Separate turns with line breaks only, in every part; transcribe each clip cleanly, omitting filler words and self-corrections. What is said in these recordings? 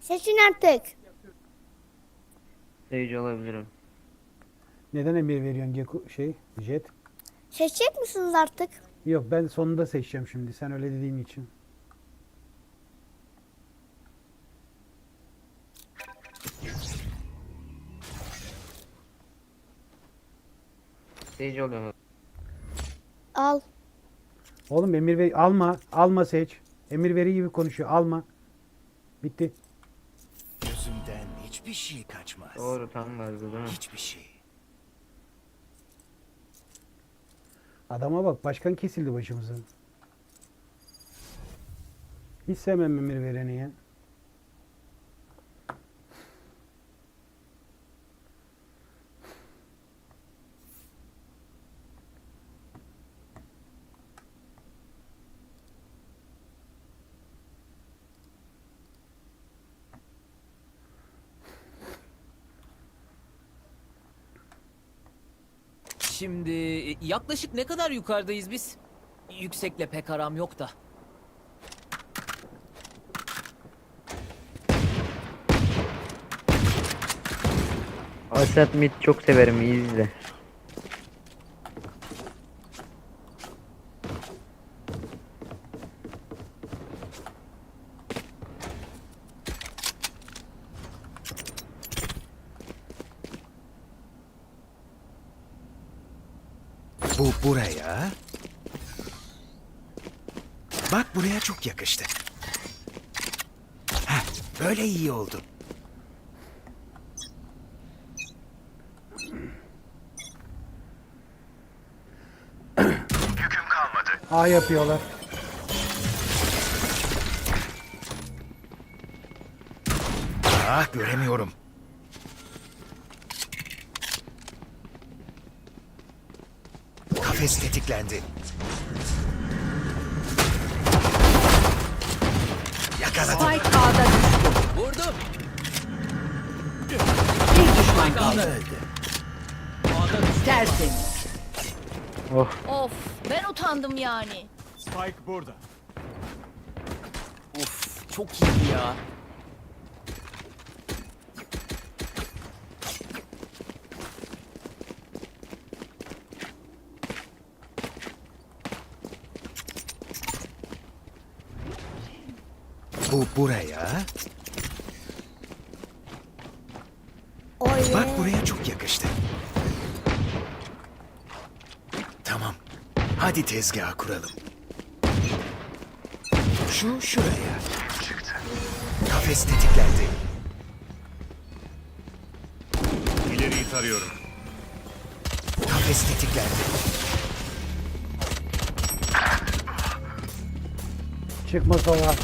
Seçin artık.
Sage alabilirim.
Neden emir veriyorsun Jet?
Seçecek misiniz artık?
Yok, ben sonunda seçeceğim şimdi. Sen öyle dediğin için.
Sage alıyorum.
Al.
Oğlum emir ver, alma. Alma seç. Emir veri gibi konuşuyor. Alma. Bitti.
Gözümden hiçbir şey kaçmaz.
Doğru, tam vardı değil mi?
Hiçbir şey.
Adama bak, başkan kesildi başımıza. Hiç sevmem emir vereni ya.
Şimdi yaklaşık ne kadar yukarıdayız biz? Yüksekle pek aram yok da.
Asat Mid çok severim, iyi izle.
Bu buraya. Bak buraya çok yakıştı. Heh, böyle iyi oldu.
A yapıyorlar.
Ah, göremiyorum. Kafes tetiklendi. Yakaladım.
Spike A'da düştü.
Vurdum.
Bir düşman kaldı.
Öldü.
Tertemiz.
Oh,
Of, ben utandım yani.
Of, çok iyi ya.
Bu buraya.
Oy.
Bak buraya çok yakıştı. Tamam. Hadi tezgah kuralım. Şu şuraya. Kafes tetiklendi.
İleriyi tarıyorum.
Kafes tetiklendi.
Çıkma sola.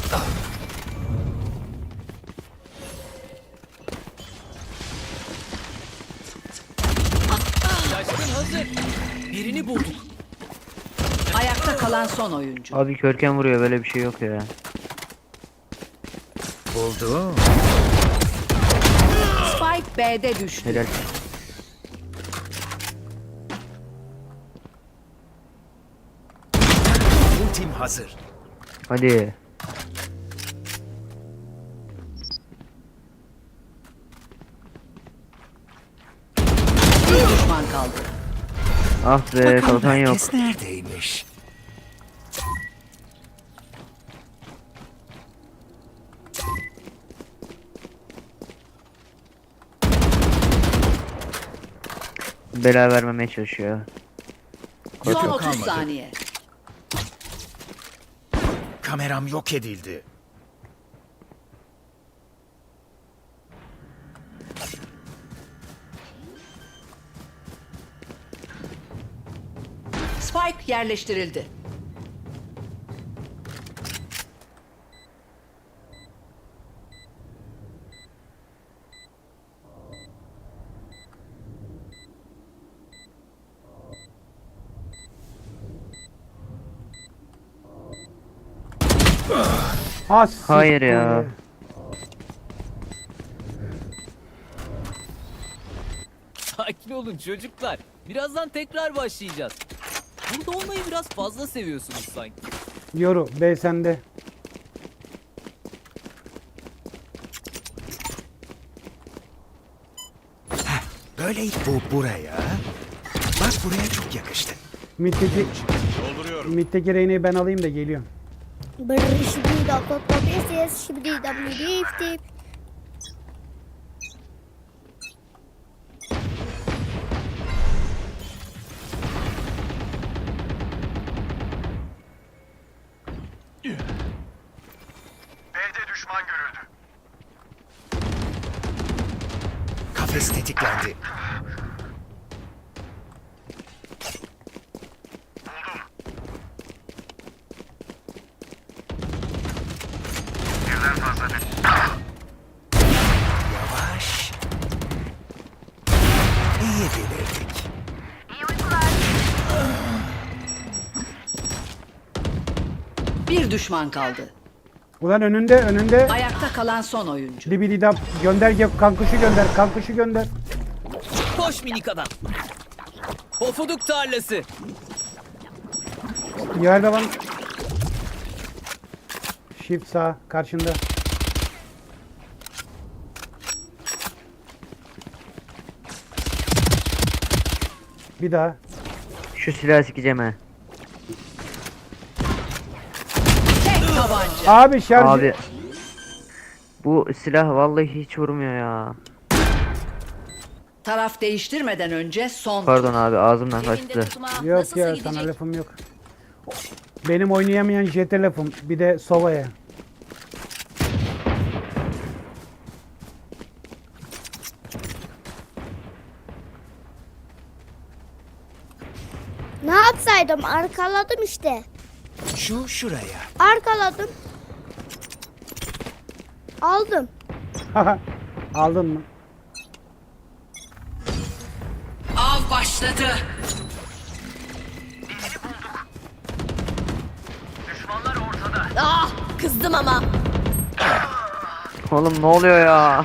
Şaşkın hazır. Birini bulduk.
Ayakta kalan son oyuncu.
abi körken vuruyor, böyle bir şey yok ya.
Buldum.
Spike B'de düştü.
Helal.
Ultim hazır.
Hadi.
Bir düşman kaldı.
Ah be,
Bakalım
kalkan yok.
herkes neredeymiş?
Bela vermemeye çalışıyor.
Son
Yok,
30
kalmadı.
saniye.
Kameram yok edildi.
Spike yerleştirildi.
Ha,
Hayır ya.
Sakin olun çocuklar. Birazdan tekrar başlayacağız. Burada olmayı biraz fazla seviyorsunuz sanki.
Yoru B sende.
Böyle bu buraya. Bak buraya çok yakıştı.
Mid'deki,
Dolduruyorum.
mid'deki Reyna'yı ben alayım da geliyorum.
Brr şimdi da ses şimdi da dip.
B'de düşman görüldü.
Kafes tetiklendi.
Birden fazla düş.
Yavaş. İyi bilirdik.
Bir düşman kaldı.
Ulan önünde.
Ayakta kalan son oyuncu.
Dibididap gönder, kankuşu gönder.
Koş minik adam. Pofuduk tarlası.
Yerde var. Shift sağ karşında. Bir daha.
Şu silahı sikeceğim ha.
Tek tabanca.
Abi şarjı.
Abi. Bu silah vallahi hiç vurmuyor ya.
Taraf değiştirmeden önce son.
Pardon abi ağzımdan
Evinde
kaçtı.
tutma
Yok
nasılsa
ya
gidecek?
sana lafım yok. Benim oynayamayan jete lafım. Bir de Sova'ya.
Ne yapsaydım? Arkaladım işte.
Şu şuraya.
Arkaladım. Aldım.
Aldın mı?
Av başladı.
Ah kızdım ama.
Oğlum ne oluyor ya?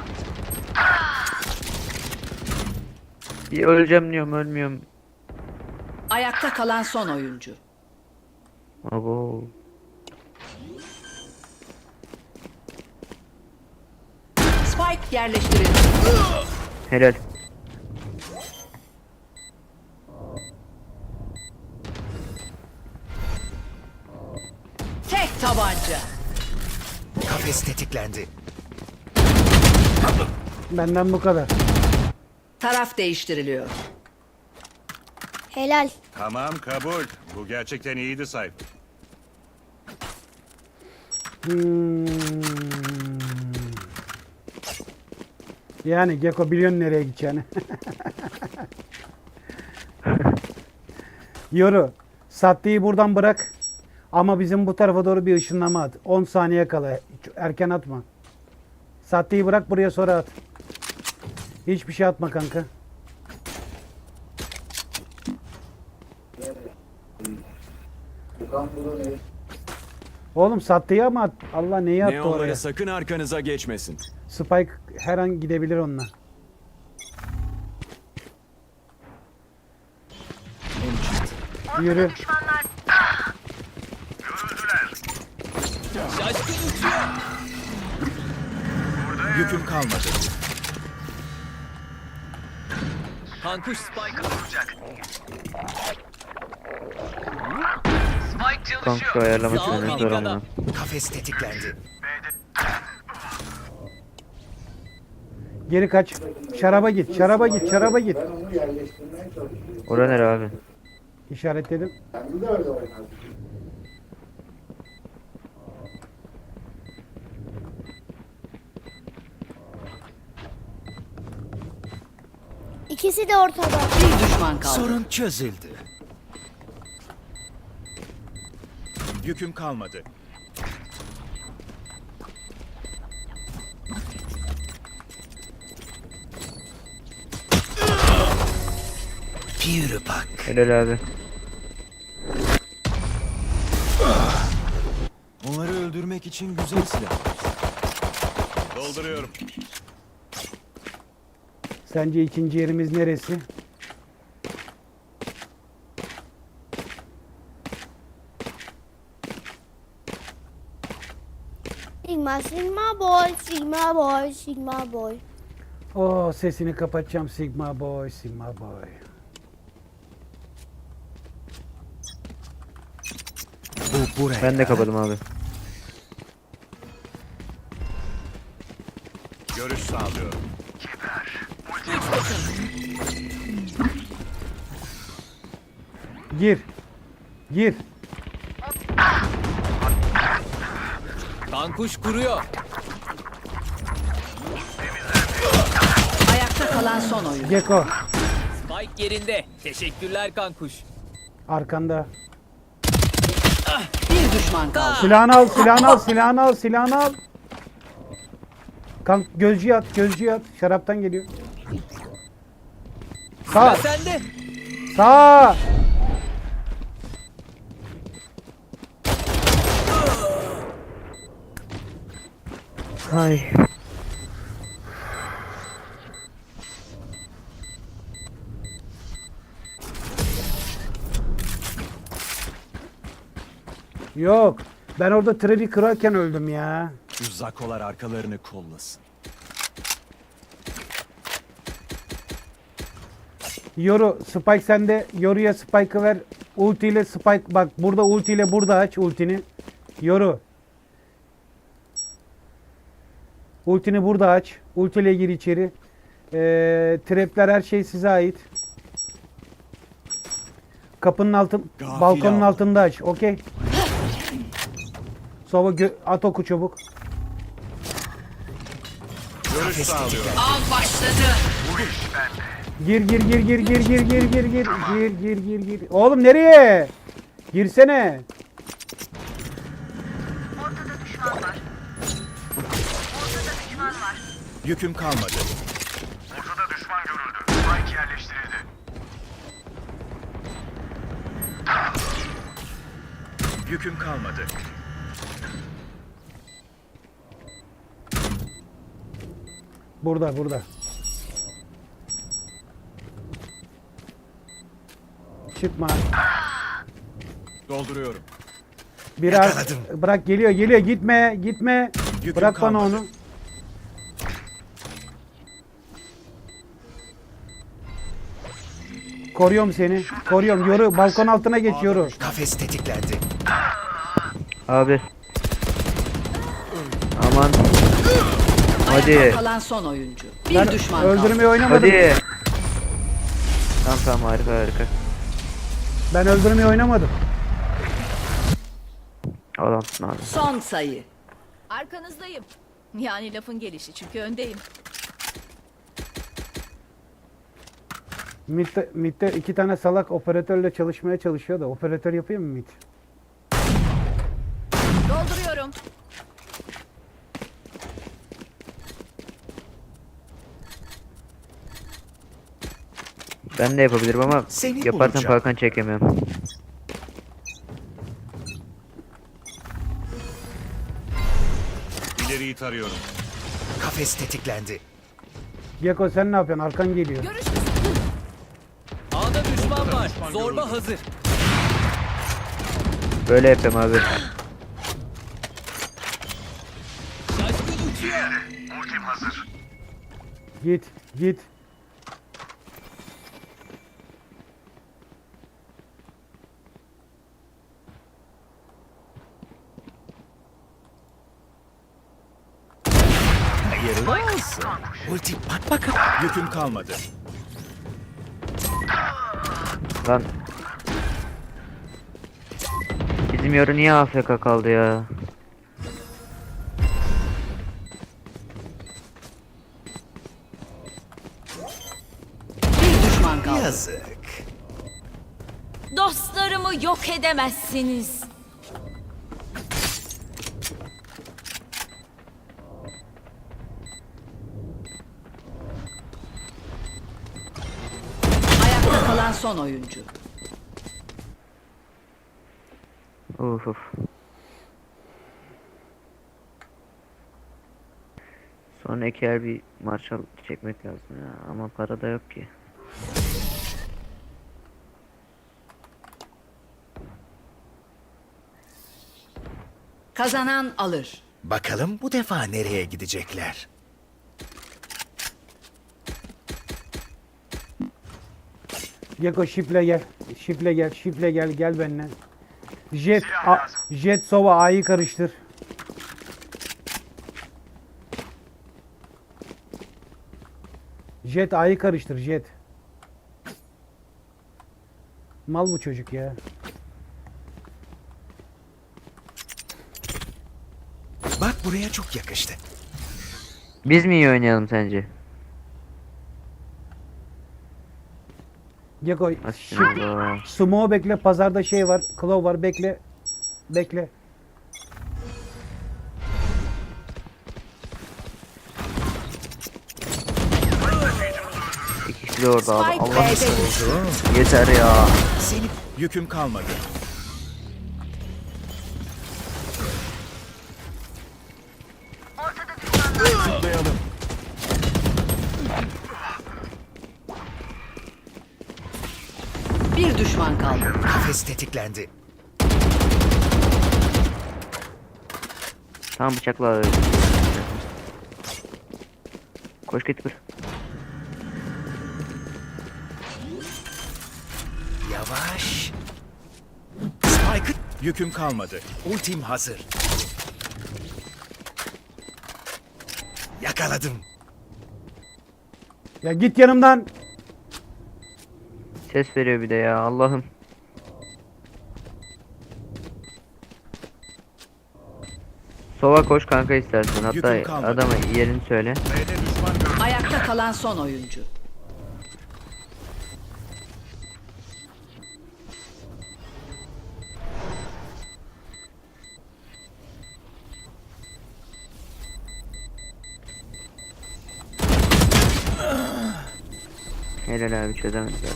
Bir öleceğim diyorum ölmüyorum.
Ayakta kalan son oyuncu.
Abo.
Spike yerleştirildi.
Helal.
Tek tabanca.
Kafes tetiklendi.
Benden bu kadar.
Taraf değiştiriliyor.
Helal.
Tamam kabul. Bu gerçekten iyiydi Cypher.
Hmm. Yani Gecko biliyorsun nereye gideceğini. Yoru. Sattığı buradan bırak. Ama bizim bu tarafa doğru bir ışınlama at. 10 saniye kala. Hiç erken atma. Sattığı bırak buraya sonra at. Hiçbir şey atma kanka. Oğlum sattığı ama at. Allah neyi attı
Neonları
oraya?
sakın arkanıza geçmesin.
Spike her an gidebilir onunla. Yürü.
Şaşkın uçuyor.
Yüküm kalmadı.
Kankuş Spike.
Kanka şu ayarlaması
Sağ ol
benim
minik
zor
adam.
ama.
Kafes tetiklendi.
Geri kaç. Şaraba git. Şaraba git. Şaraba git.
Ora nere abi?
İşaretledim.
İkisi de ortada.
Bir düşman kaldı.
Sorun çözüldü. Yüküm kalmadı. Pure bak.
Helal abi.
Onları öldürmek için güzel silah.
Dolduruyorum.
Sence ikinci yerimiz neresi?
Sigma, Sigma boy, Sigma boy, Sigma boy.
Oh, sesini kapatacağım Sigma Boy, Sigma Boy.
Bu buraya.
Ben de kapadım abi.
Görüş sağlıyorum.
Gir. Gir.
Kankuş kuruyor.
Ayakta kalan son oyuncu.
Geko.
Spike yerinde. Teşekkürler kankuş.
Arkanda.
Bir düşman kaldı.
Silahını al, silahını al, silahını al, silahını al. Kank gözcüye at, gözcüye at. Şaraptan geliyor.
Sıra
Sağ,
sende.
sağ.
Ay.
Yok. Ben orada trevi kırarken öldüm ya.
Şu zakolar arkalarını kollasın.
Yoru, Spike sende. Yoru'ya Spike'ı ver. Ulti ile Spike. Bak burada ulti ile burada aç ultini. Yoru. Ultini burada aç. Ulti ile gir içeri. Trapler her şey size ait. Kapının altın,
Gafil
balkonun
aldım.
altında aç. Okey. Sova at oku çabuk.
Görüş sağlıyorum.
Av başladı.
Gir gir gir gir gir gir gir gir gir gir gir gir gir. Oğlum nereye? Girsene.
Yüküm kalmadı.
Ortada düşman görüldü. Spike yerleştirildi.
Yüküm kalmadı.
Burada burada. Çıkma.
Dolduruyorum.
Biraz
Yakaladım.
bırak geliyor geliyor gitme gitme.
Yüküm
Bırak bana
kalmadı.
onu. Koruyorum seni. Koruyorum. Yoru balkon altına geç yoru.
Kafes tetiklendi.
Abi. Aman. Hadi.
Ayakta kalan son oyuncu. Bir
Ben
düşman kaldı.
öldürmeyi oynamadım.
Hadi. Tamam tamam harika harika.
Ben öldürmeyi oynamadım.
Adamsın abi.
Son sayı.
Arkanızdayım. Yani lafın gelişi çünkü öndeyim.
Mid'de iki tane salak operatörle çalışmaya çalışıyor da operatör yapayım mı mid?
Dolduruyorum.
Ben de yapabilirim ama
Seni
yaparsam
bulacağım.
kalkan çekemiyorum.
İleriyi tarıyorum.
Kafes tetiklendi.
Geko sen ne yapıyorsun? Arkan geliyor.
Görüş
A'da düşman var. Zorba hazır.
Böyle yapıyorum abi.
Şaşkın uçuyor.
Ultim hazır.
Git git.
Hayırlı olsun. Ulti bak bakalım. Yüküm kalmadı.
Lan. Bizim Yoru niye AFK kaldı ya?
Bir düşman kaldı.
Yazık.
Dostlarımı yok edemezsiniz.
Ayakta kalan son oyuncu.
Uf uf. Sonraki yer bir Marshall çekmek lazım ya ama para da yok ki.
Kazanan alır.
Bakalım bu defa nereye gidecekler?
Geko şifle gel. Şifle gel. Şifle gel. Gel benimle. Jet Sova A'yı karıştır. Jet A'yı karıştır. Jet. Mal bu çocuk ya.
Bak buraya çok yakıştı.
Biz mi iyi oynayalım sence?
Geko
Aslında.
Sumo bekle. Pazarda şey var. Claw var. Bekle. Bekle.
İki kişi de orada abi.
Spike
Allah
B'de düştü.
yeter ya.
Seni
Yüküm kalmadı. Zıplayalım.
Bir düşman kaldı.
kafes tetiklendi.
Tamam bıçakla. Koş git vur.
Yavaş. Spike'ı
Yüküm kalmadı.
ultim hazır. Yakaladım.
Ya git yanımdan.
Ses veriyor bir de ya Allah'ım. Sova koş kanka istersen. Hatta
Yüküm kalmadı.
adama yerini söyle.
B'de düşman görüldü.
Ayakta kalan son oyuncu.
Helal abi çözemediler.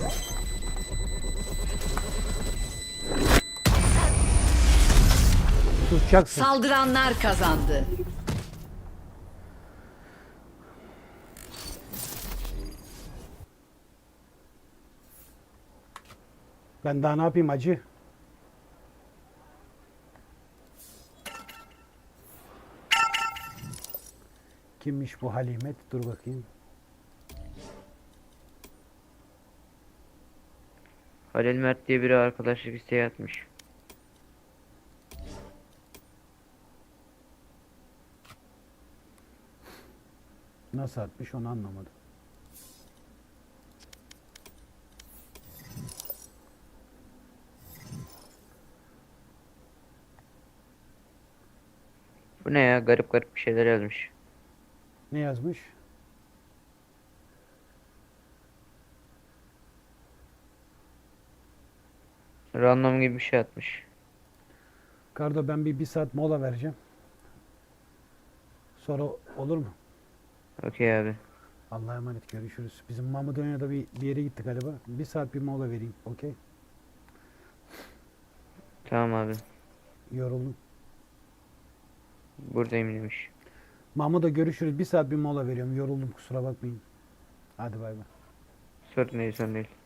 Tutacaksın.
Saldıranlar kazandı.
Ben daha ne yapayım acı? Kimmiş bu Halimet? Dur bakayım.
Halil Mert diye biri arkadaşlık isteği atmış.
Nasıl atmış onu anlamadım.
Bu ne ya, garip garip bir şeyler yazmış.
Ne yazmış?
Random gibi bir şey atmış.
Kardo ben bir saat mola vereceğim. Sonra olur mu?
Okey abi.
Allah'a emanet, görüşürüz. Bizim Mahmut Önü'ne bir yere gittik galiba. Bir saat bir mola vereyim. Okey.
Tamam abi.
Yoruldum.
Buradayım demiş.
Mahmut'a görüşürüz. Bir saat bir mola veriyorum. Yoruldum, kusura bakmayın. Hadi bay bay.
Sorun değil, sorun değil.